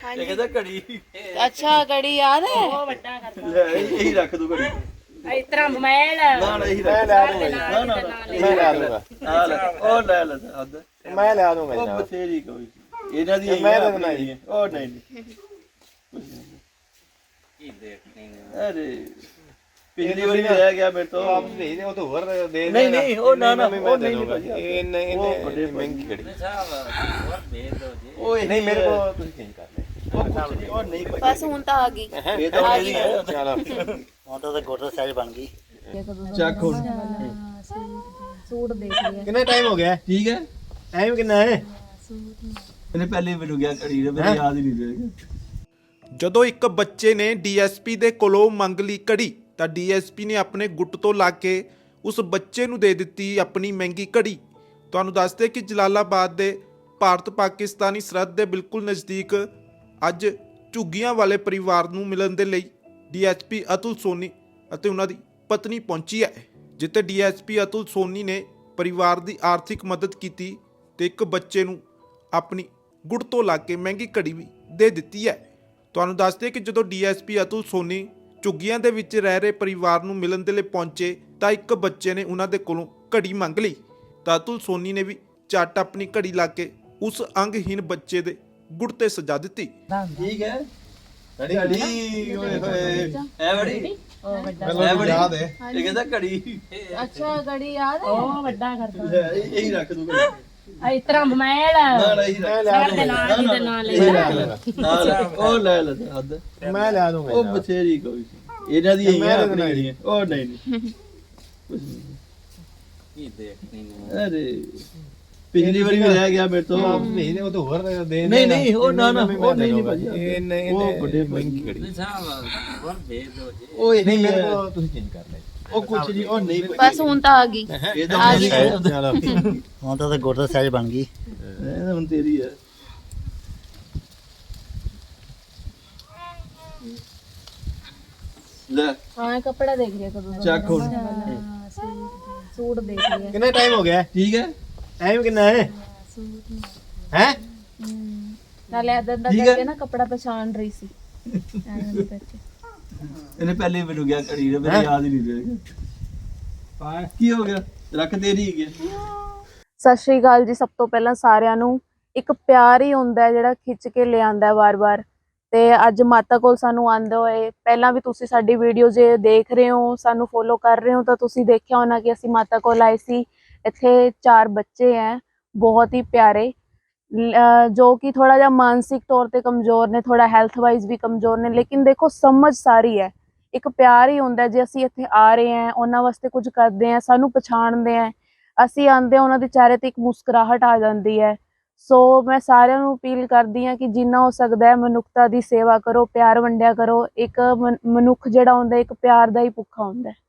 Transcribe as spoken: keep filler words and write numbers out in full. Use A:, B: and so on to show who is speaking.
A: ਇਹ ਕਹਿੰਦਾ ਘੜੀ।
B: ਅੱਛਾ ਘੜੀ ਯਾਦ ਹੈ।
C: ਉਹ ਵੱਡਾ ਕਰਦਾ
A: ਲੈ ਇਹੀ ਰੱਖ ਦੂ ਘੜੀ।
C: ਇਸ ਤਰ੍ਹਾਂ ਮੋਬਾਈਲ
A: ਨਾ ਨਾ ਇਹੀ ਰੱਖ।
D: ਲੈ ਦੂੰਗਾ
A: ਨਾ ਨਾ
D: ਮੈਂ ਲੈ ਦੂੰਗਾ
A: ਆ ਲੈ ਉਹ ਲੈ ਲੈ ਹੱਦ।
D: ਮੈਂ ਲੈ ਦੂੰਗਾ
A: ਉਹ
D: ਜਨਾਬ
A: ਬਥੇਰੀ ਕੋਈ ਇਹਨਾਂ ਦੀ
D: ਮੈਂ ਤਾਂ ਬਣਾਈ
A: ਉਹ ਨਹੀਂ ਨਹੀਂ
E: ਕੀ ਦੇਖਣੀ
A: ਅਰੇ ਪਿਛਲੀ ਵਾਰੀ ਵੀ ਰਹਿ ਗਿਆ ਮੇਰੇ ਤੋਂ।
D: ਆਪ ਭੇਜ ਦੇ ਉਹ ਤਾਂ ਹੋਰ ਦੇ
A: ਨਹੀਂ ਨਹੀਂ ਉਹ ਨਾ ਨਾ ਉਹ ਨਹੀਂ
D: ਦੂੰਗਾ ਇਹ ਨਹੀਂ
A: ਵੱਡੇ
D: ਮਹਿੰਗੀ ਘੜੀ
E: ਸਾਹਿਬ ਹੋਰ ਭੇਜ ਦੋ ਜੀ।
A: ਓਏ
D: ਨਹੀਂ ਮੇਰੇ ਕੋਲ ਤੁਸੀਂ ਚੇਂਜ ਕਰ ਲੈ
A: ਉਹ ਨਹੀਂ
B: ਬਸ ਹੁਣ ਤਾਂ ਆ ਗਈ।
A: ਇਹ ਤਾਂ ਉਹਦੀ ਹੈ।
D: ਚਲੋ
E: ਹੁਣ ਤਾਂ ਗੋਟਾ ਸਾਈਜ਼ ਬਣ ਗਈ।
A: ਚੱਕ ਹੁਣ
C: ਸੂਟ ਦੇਖ ਲਿਆ
D: ਕਿੰਨਾ ਟਾਈਮ ਹੋ ਗਿਆ
A: ਠੀਕ ਹੈ।
D: ਟਾਈਮ ਕਿੰਨਾ ਹੈ
A: ਇਹਨੇ ਪਹਿਲੇ ਮੈਨੂੰ ਗਿਆ ਘੜੀ ਦੇ ਮੈਨੂੰ ਯਾਦ ਹੀ ਨਹੀਂ ਰਿਹਾ।
F: ਜਦੋਂ ਇੱਕ ਬੱਚੇ ਨੇ ਡੀਐਸਪੀ ਦੇ ਕੋਲੋਂ ਮੰਗ ਲਈ ਘੜੀ ਤਾਂ ਡੀਐਸਪੀ ਨੇ ਆਪਣੇ ਗੁੱਟ ਤੋਂ ਲਾ ਕੇ ਉਸ ਬੱਚੇ ਨੂੰ ਦੇ ਦਿੱਤੀ ਆਪਣੀ ਮਹਿੰਗੀ ਘੜੀ। ਤੁਹਾਨੂੰ ਦੱਸਦੇ ਕਿ ਜਲਾਲਾਬਾਦ ਦੇ ਭਾਰਤ ਪਾਕਿਸਤਾਨੀ ਸਰਹੱਦ ਦੇ ਬਿਲਕੁਲ ਨਜ਼ਦੀਕ ਅੱਜ ਝੁੱਗੀਆਂ ਵਾਲੇ ਪਰਿਵਾਰ ਨੂੰ ਮਿਲਣ ਦੇ ਲਈ ਡੀਐਸਪੀ ਅਤੁਲ ਸੋਨੀ ਅਤੇ ਉਹਨਾਂ ਦੀ ਪਤਨੀ ਪਹੁੰਚੀ ਹੈ, ਜਿੱਥੇ ਡੀਐਸਪੀ ਅਤੁਲ ਸੋਨੀ ਨੇ ਪਰਿਵਾਰ ਦੀ ਆਰਥਿਕ ਮਦਦ ਕੀਤੀ ਤੇ ਇੱਕ ਬੱਚੇ ਨੂੰ ਆਪਣੀ ਗੁੱਟ ਤੋਂ ਲਾ ਕੇ ਮਹਿੰਗੀ ਘੜੀ ਵੀ ਦੇ ਦਿੱਤੀ ਹੈ। ਤੁਹਾਨੂੰ ਦੱਸਦੇ ਕਿ ਜਦੋਂ ਡੀਐਸਪੀ ਅਤੁਲ ਸੋਨੀ ਝੁੱਗੀਆਂ ਦੇ ਵਿੱਚ ਰਹਿ ਰਹੇ ਪਰਿਵਾਰ ਨੂੰ ਮਿਲਣ ਦੇ ਲਈ ਪਹੁੰਚੇ ਤਾਂ ਇੱਕ ਬੱਚੇ ਨੇ ਉਹਨਾਂ ਦੇ ਕੋਲੋਂ ਘੜੀ ਮੰਗ ਲਈ ਤਾਂ ਅਤੁਲ ਸੋਨੀ ਨੇ ਵੀ ਝੱਟ ਆਪਣੀ ਘੜੀ ਲਾ ਕੇ ਉਸ ਅੰਗਹੀਨ ਬੱਚੇ ਦੇ ਗੁੱਟ ਤੇ ਸਜਾ ਦਿੱਤੀ।
A: ਠੀਕ ਹੈ। ਘੜੀ ਓਏ ਹੋਏ ਐ ਬੜੀ
C: ਉਹ ਵੱਡਾ
A: ਐ ਬੜੀ ਯਾਦ ਹੈ। ਇਹ ਕਹਿੰਦਾ ਘੜੀ।
B: ਅੱਛਾ ਘੜੀ ਯਾਦ ਹੈ।
C: ਉਹ ਵੱਡਾ ਕਰਦਾ
A: ਲੈ ਇਹੀ ਰੱਖ ਦੂ ਘੜੀ।
C: ਇਸ ਤਰ੍ਹਾਂ ਮੋਬਾਈਲ
A: ਨਾ ਨਾ ਇਹੀ ਰੱਖ।
C: ਸਾਡੇ ਨਾਲ ਹੀ ਤੇ ਨਾਲ ਲੈ
A: ਨਾ ਲੈ ਉਹ ਲੈ ਲੈ ਹੱਦ।
D: ਮੈਂ ਲੈ ਦੂੰਗਾ
A: ਉਹ ਬਥੇਰੀ ਕੋਈ ਇਹਨਾਂ ਦੀ ਹੀ ਹੈ ਆਪਣੀ ਹੈ। ਉਹ ਨਹੀਂ ਨਹੀਂ
E: ਕੀ ਦੇਖਣੀ
A: ਅਰੇ ਪਿਛਲੀ ਵਾਰੀ ਵੀ ਰਹਿ ਗਿਆ ਮੇਰੇ ਤੋਂ।
D: ਆਪ ਭੇਜ ਦੇ ਉਹ ਤਾਂ ਹੋਰ ਦੇ
A: ਨਹੀਂ ਨਹੀਂ ਉਹ ਨਾ ਨਾ ਉਹ ਨਹੀਂ ਨਹੀਂ ਭਾਜੀ
D: ਇਹ ਨਹੀਂ
A: ਉਹ ਵੱਡੇ ਮਹਿੰਗੀ ਘੜੀ।
E: ਸਾਹਿਬ ਹੋਰ ਭੇਜ ਦੋ ਜੀ।
A: ਓਏ
D: ਨਹੀਂ
A: ਨਹੀਂ
D: ਮੇਰੇ ਕੋਲ ਤੁਸੀਂ ਚੇਂਜ ਕਰ ਲੈ
A: ਉਹ ਕੁਛ ਨਹੀਂ ਉਹ ਨਹੀਂ
B: ਬਸ ਹੁਣ ਤਾਂ ਆ ਗਈ।
A: ਇਹ ਤਾਂ ਉਹਦੀ ਹੈ।
D: ਚਲੋ
E: ਹੁਣ ਤਾਂ ਗੋਟਾ ਸਾਈਜ਼ ਬਣ ਗਈ।
A: ਇਹ ਤਾਂ ਹੁਣ ਤੇਰੀ ਹੈ। ਲੈ
C: ਹਾਂ ਕੱਪੜਾ ਦੇਖ ਲਿਆ ਕਦੋਂ ਦਾ
A: ਚੱਕ ਹੁਣ
C: ਸੂਟ ਦੇਖ ਲਿਆ
D: ਕਿੰਨਾ ਟਾਈਮ ਹੋ ਗਿਆ
A: ਠੀਕ ਹੈ।
D: ਟਾਈਮ ਕਿੰਨਾ ਹੈ ਹੈ
C: ਨਾਲੇ ਇਦਾਂ ਦਾ
A: ਠੀਕ ਹੈ।
C: ਕਰਕੇ ਨਾ ਕੱਪੜਾ ਪਛਾਣ ਰਹੀ ਸੀ ਐਵੇਂ ਦੇ ਕਰਕੇ
A: ਇਹਨੇ ਪਹਿਲੇ ਮੈਨੂੰ ਗਿਆ ਘੜੀ ਦੇ ਮੈਨੂੰ ਯਾਦ ਹੀ ਨਹੀਂ ਰਿਹਾ। ਕੀ ਹੋ ਗਿਆ ਰੱਖ ਤੇਰੀ ਹੀ ਗਿਆ।
B: ਸਤਿ ਸ਼੍ਰੀ ਅਕਾਲ ਜੀ। ਸਭ ਤੋਂ ਪਹਿਲਾਂ ਸਾਰਿਆਂ ਨੂੰ ਇੱਕ ਪਿਆਰ ਹੀ ਹੁੰਦਾ ਹੈ ਜਿਹੜਾ ਖਿੱਚ ਕੇ ਲਿਆਂਦਾ ਵਾਰ-ਵਾਰ। ਤੇ ਅੱਜ ਮਾਤਾ ਕੋਲ ਸਾਨੂੰ ਆਂਦੇ ਹੋਏ ਪਹਿਲਾਂ ਵੀ ਤੁਸੀਂ ਸਾਡੀ ਵੀਡੀਓ ਜੇ ਦੇਖ ਰਹੇ ਹੋ, ਸਾਨੂੰ ਫੋਲੋ ਕਰ ਰਹੇ ਹੋ ਤਾਂ ਤੁਸੀਂ ਦੇਖਿਆ ਹੋਣਾ ਕਿ ਅਸੀਂ ਮਾਤਾ ਕੋਲ ਆਏ ਸੀ। ਇੱਥੇ ਚਾਰ ਬੱਚੇ ਹੈ ਬਹੁਤ ਹੀ ਪਿਆਰੇ, ਜੋ ਕਿ ਥੋੜਾ ਜਿਹਾ ਮਾਨਸਿਕ ਤੌਰ ਤੇ ਕਮਜ਼ੋਰ ਨੇ, ਥੋੜਾ ਹੈਲਥ ਵਾਈਜ਼ ਵੀ ਕਮਜ਼ੋਰ ਨੇ, ਲੇਕਿਨ ਦੇਖੋ ਸਮਝ ਸਾਰੀ ਹੈ। ਇੱਕ ਪਿਆਰ ਹੀ ਹੁੰਦਾ ਜੇ ਅਸੀਂ ਇੱਥੇ ਆ ਰਹੇ ਹਾਂ, ਉਹਨਾਂ ਵਾਸਤੇ ਕੁਝ ਕਰਦੇ ਹਾਂ, ਸਾਨੂੰ ਪਛਾਣਦੇ ਆ, ਅਸੀਂ ਆਂਦੇ ਹਾਂ ਉਹਨਾਂ ਦੇ ਚਿਹਰੇ ਤੇ ਇੱਕ ਮੁਸਕਰਾਹਟ ਆ ਜਾਂਦੀ ਹੈ। ਸੋ ਮੈਂ ਸਾਰਿਆਂ ਨੂੰ ਅਪੀਲ ਕਰਦੀ ਹਾਂ ਕਿ ਜਿੰਨਾ ਹੋ ਸਕਦਾ ਹੈ ਮਨੁੱਖਤਾ ਦੀ ਸੇਵਾ ਕਰੋ, ਪਿਆਰ ਵੰਡਿਆ ਕਰੋ। ਇੱਕ ਮਨੁੱਖ ਜਿਹੜਾ ਹੁੰਦਾ ਇੱਕ ਪਿਆਰ ਦਾ ਹੀ ਭੁੱਖਾ ਹੁੰਦਾ ਹੈ।